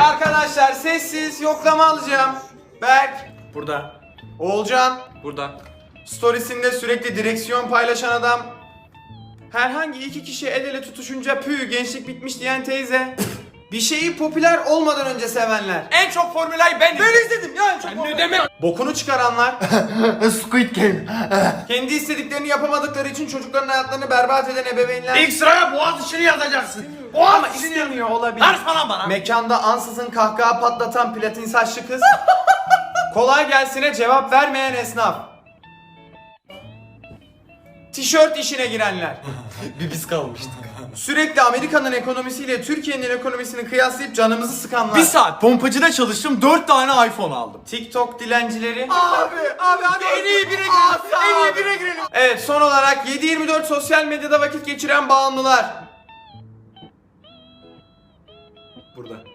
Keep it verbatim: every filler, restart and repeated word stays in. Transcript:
Arkadaşlar sessiz yoklama alacağım. Berk. Burada. Oğulcan. Burada. Storiesinde sürekli direksiyon paylaşan adam. Herhangi iki kişi el ele tutuşunca pü gençlik bitmiş diyen teyze. Bir şeyi popüler olmadan önce sevenler. En çok formülayı ben izledim. Ben izledim ya en çok. Sen ne demek? Bokunu çıkaranlar. Squid Game. Kendi istediklerini yapamadıkları için çocukların hayatlarını berbat eden ebeveynler. İlk sıraya boğaz içini yazacaksın. Ama Boğaz içini yaz. istemiyor olabilir. Ver falan bana. Mekanda ansızın kahkaha patlatan platin saçlı kız. Kolay gelsine cevap vermeyen esnaf. Tişört işine girenler. Bir biz kalmıştık. Sürekli Amerika'nın ekonomisiyle Türkiye'nin ekonomisini kıyaslayıp canımızı sıkanlar. Bir saat pompacıda çalıştım, dört tane iPhone aldım. TikTok dilencileri. Abi, abi hadi en iyi bire girelim. En iyi bire girelim. Evet, son olarak yedi yirmi dört sosyal medyada vakit geçiren bağımlılar. Burada.